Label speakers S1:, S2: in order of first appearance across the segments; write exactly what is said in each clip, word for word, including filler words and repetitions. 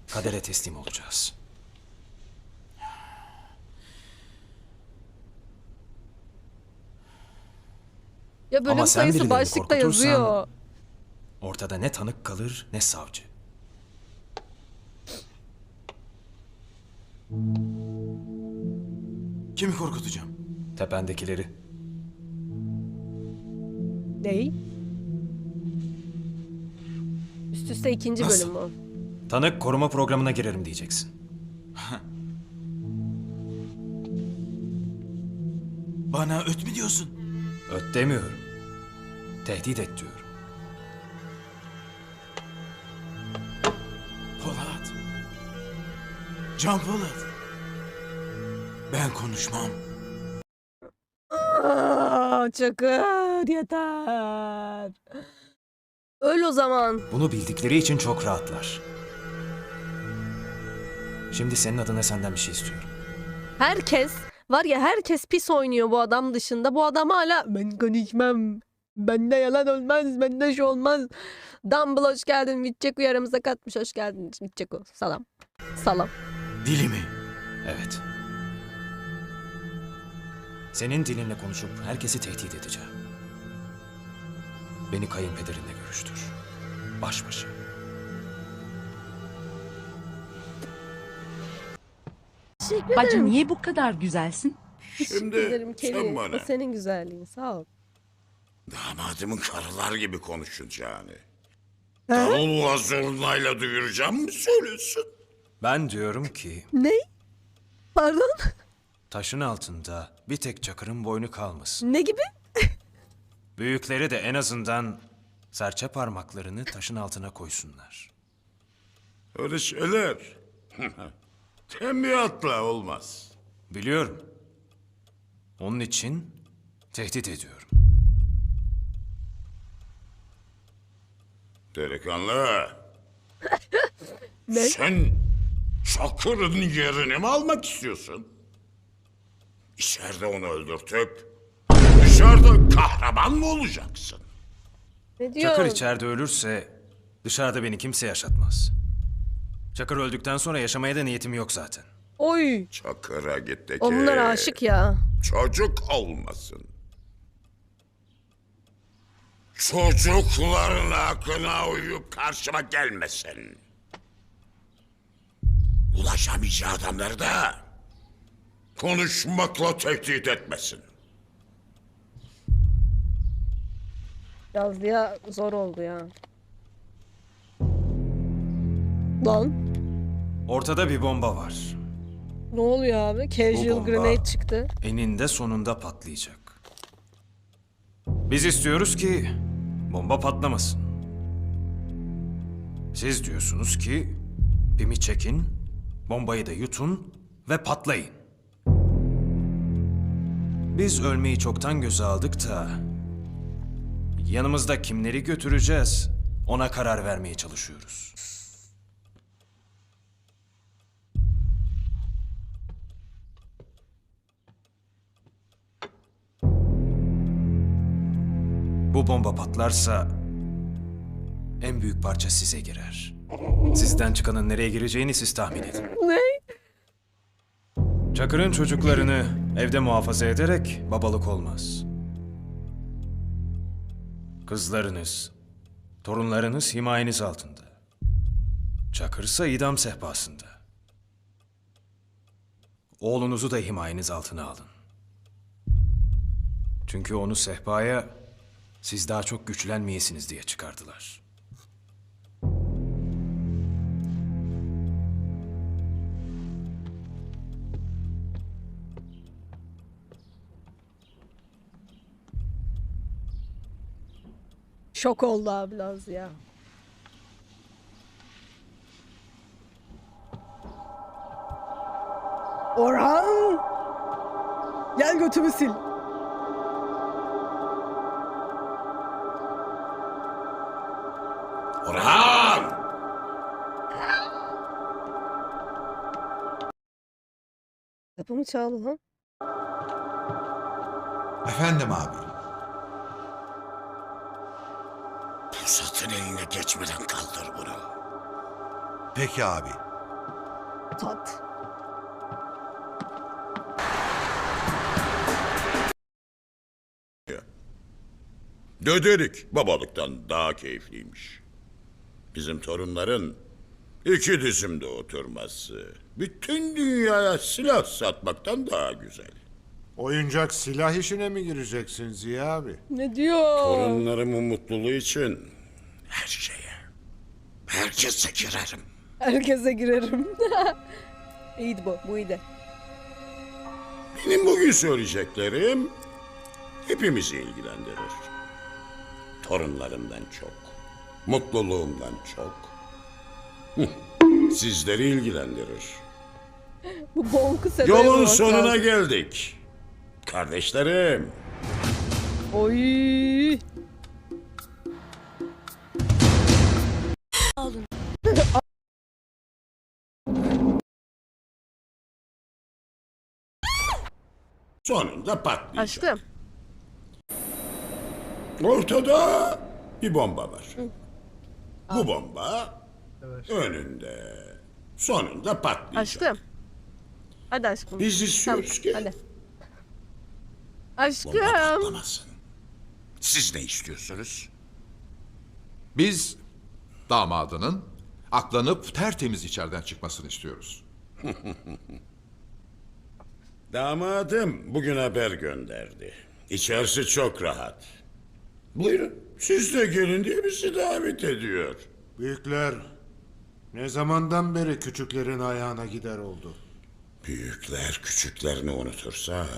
S1: Kadere teslim olacağız.
S2: Ya bölüm
S1: Ama sen
S2: sayısı
S1: birilerini
S2: başlıkta
S1: korkutursan
S2: yazıyor.
S1: ortada ne tanık kalır ne savcı.
S3: Kimi korkutacağım?
S1: Tependekileri.
S2: Ney? Üst üste ikinci
S3: Nasıl?
S2: bölüm o.
S1: Tanık koruma programına girerim diyeceksin.
S3: Bana öt mü diyorsun?
S1: Öt demiyorum. Tehdit et diyorum.
S3: Polat. Can Polat. Ben konuşmam.
S2: Aa, Çakır yeter. Öl o zaman.
S1: Bunu bildikleri için çok rahatlar. Şimdi senin adına senden bir şey istiyorum.
S2: Herkes var ya, herkes pis oynuyor bu adam dışında. Bu adam hala ben konuşmam. Bende yalan olmaz. Bende şu olmaz. Dumble hoş geldin. Vitçeku aramıza katmış. Hoş geldin Vitçeku. Salam. Salam.
S3: Dili mi?
S1: Evet. Senin dilinle konuşup herkesi tehdit edeceğim. Beni kayınpederinle görüştür. Baş başa.
S2: Teşekkür ederim.
S4: Bacı niye bu kadar güzelsin?
S2: Teşekkür
S5: Şimdi
S2: ederim
S5: sen
S2: Kelly.
S5: bana
S2: O senin güzelliğin. Sağ ol.
S5: damadımın karılar gibi konuşacağını, davulla zurnayla duyuracağım mı söylüyorsun?
S1: Ben diyorum ki
S2: Ne? Pardon?
S1: taşın altında bir tek Çakır'ın boynu kalmasın.
S2: Ne gibi?
S1: Büyükleri de en azından serçe parmaklarını taşın altına koysunlar.
S5: Öyle şeyler tembihatla olmaz.
S1: Biliyorum. Onun için tehdit ediyorum.
S5: Delikanlı,
S2: Ne?
S5: sen Çakır'ın yerini mi almak istiyorsun? İçeride onu öldürtüp dışarıda kahraman mı olacaksın?
S2: Ne diyor?
S1: Çakır içeride ölürse dışarıda beni kimse yaşatmaz. Çakır öldükten sonra yaşamaya da niyetim yok zaten.
S2: Oy.
S5: Çakır'a git de ki
S2: Onlar aşık ya.
S5: çocuk olmasın. Çocukların aklına uyup karşıma gelmesin. Ulaşamayacağı adamları da konuşmakla tehdit etmesin.
S2: Yazlıya zor oldu ya. Lan.
S1: Ortada bir bomba var.
S2: Ne oluyor abi? Casual
S1: bomba-
S2: grenade çıktı.
S1: Eninde sonunda patlayacak. Biz istiyoruz ki bomba patlamasın. Siz diyorsunuz ki pimi çekin, bombayı da yutun ve patlayın. Biz ölmeyi çoktan göze aldık da yanımızda kimleri götüreceğiz ona karar vermeye çalışıyoruz. Bu bomba patlarsa en büyük parça size girer. Sizden çıkanın nereye gireceğini siz tahmin edin.
S2: Ne?
S1: Çakır'ın çocuklarını evde muhafaza ederek babalık olmaz. Kızlarınız, torunlarınız himayeniz altında. Çakır'sa idam sehpasında. Oğlunuzu da himayeniz altına alın. Çünkü onu sehpaya siz daha çok güçlenmeyesiniz diye çıkardılar.
S2: Şok oldu abi Laz ya. Orhan! Gel götümü sil.
S5: Orhan!
S2: Kapımı çaldı lan.
S6: Efendim abi.
S5: Pusat'ın eline geçmeden kaldır bunu.
S6: Peki abi.
S2: Tat.
S5: Döderik babalıktan daha keyifliymiş. Bizim torunların iki dizimde oturması bütün dünyaya silah satmaktan daha güzel.
S6: Oyuncak silah işine mi gireceksin Ziya abi?
S2: Ne diyor?
S5: Torunlarımın mutluluğu için her şeye, herkese girerim.
S2: Herkese girerim. İyiydi bu. Bu iyiydi.
S5: Benim bugün söyleyeceklerim hepimizi ilgilendirir. Torunlarımdan çok, mutluluğumdan çok hı, sizleri ilgilendirir.
S2: Bu bonku sedaya
S5: Yolun
S2: bak
S5: sonuna
S2: lazım.
S5: geldik. Kardeşlerim,
S2: Oy.
S5: sonunda patlayacak.
S2: Aşkım.
S5: Ortada bir bomba var. Bu bomba önünde, sonunda patlayacak.
S2: Aşkım. Hadi aşkım.
S5: Biz istiyoruz ki
S2: Hadi.
S5: bomba
S2: Aşkım.
S5: patlamasın. Siz ne istiyorsunuz?
S7: Biz damadının aklanıp tertemiz içeriden çıkmasını istiyoruz.
S5: Damadım bugün haber gönderdi. İçerisi çok rahat. Buyurun, siz de gelin diye bizi davet ediyor.
S6: Büyükler ne zamandan beri küçüklerin ayağına gider oldu?
S5: Büyükler küçüklerini unutursa...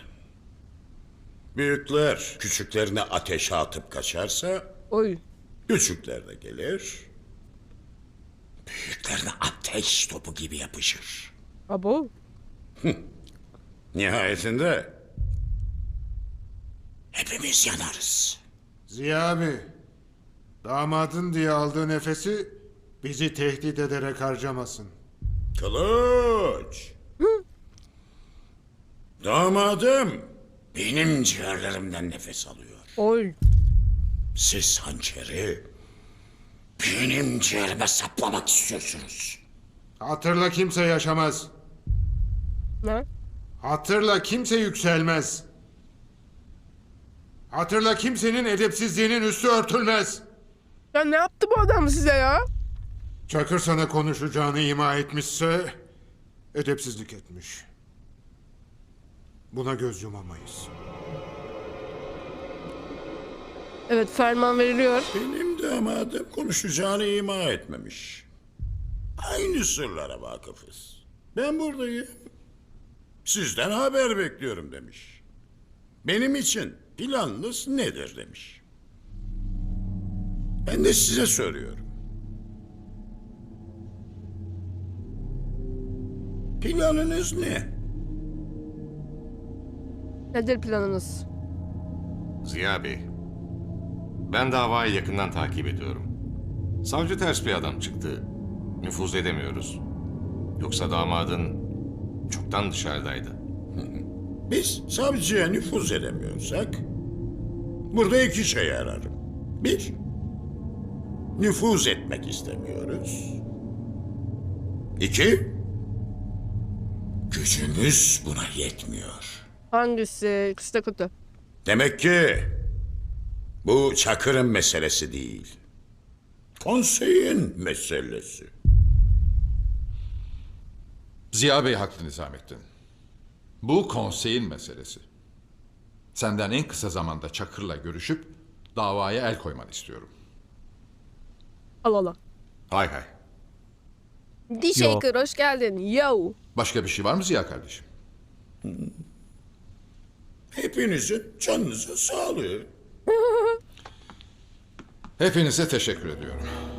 S5: Büyükler küçüklerini ateşe atıp kaçarsa...
S2: Oy.
S5: Küçükler de gelir... Büyüklerine ateş topu gibi yapışır.
S2: Abo.
S5: Nihayetinde... Hepimiz yanarız.
S6: Ziya abi, damadın diye aldığı nefesi bizi tehdit ederek harcamasın.
S5: Kılıç! Damadım benim ciğerlerimden nefes alıyor.
S2: Oy.
S5: Siz hançeri benim ciğerime saplamak istiyorsunuz.
S6: Hatırla kimse yaşamaz.
S2: Ne?
S6: Hatırla kimse yükselmez. Hatırla kimsenin edepsizliğinin üstü örtülmez.
S2: Ya ne yaptı bu adam size ya?
S6: Çakır sana konuşacağını ima etmişse edepsizlik etmiş. Buna göz yumamayız.
S2: Evet, ferman veriliyor.
S5: Benim damadım konuşacağını ima etmemiş. Aynı sırlara vakıfız. Ben buradayım. Sizden haber bekliyorum demiş. Benim için planınız nedir demiş. Ben de size soruyorum. Planınız ne?
S2: Nedir planınız?
S8: Ziya Bey, ben davayı yakından takip ediyorum. Savcı ters bir adam çıktı. Nüfuz edemiyoruz. Yoksa damadın çoktan dışarıdaydı.
S5: Biz savcıya nüfuz edemiyorsak burada iki şey ararım. Bir, nüfuz etmek istemiyoruz. İki, gücümüz buna yetmiyor.
S2: Hangisi? İkisi de kötü.
S5: Demek ki bu Çakır'ın meselesi değil. Konseyin meselesi.
S7: Ziya Bey haklı Nizamettin. Bu konseyin meselesi. Senden en kısa zamanda Çakır'la görüşüp davaya el koymanı istiyorum.
S2: Al al al.
S8: Hay hay.
S2: D-Shaker hoş geldin. Yo.
S7: Başka bir şey var mı Ziya kardeşim?
S5: Hepinizin canınıza sağlığı.
S7: Hepinize teşekkür ediyorum.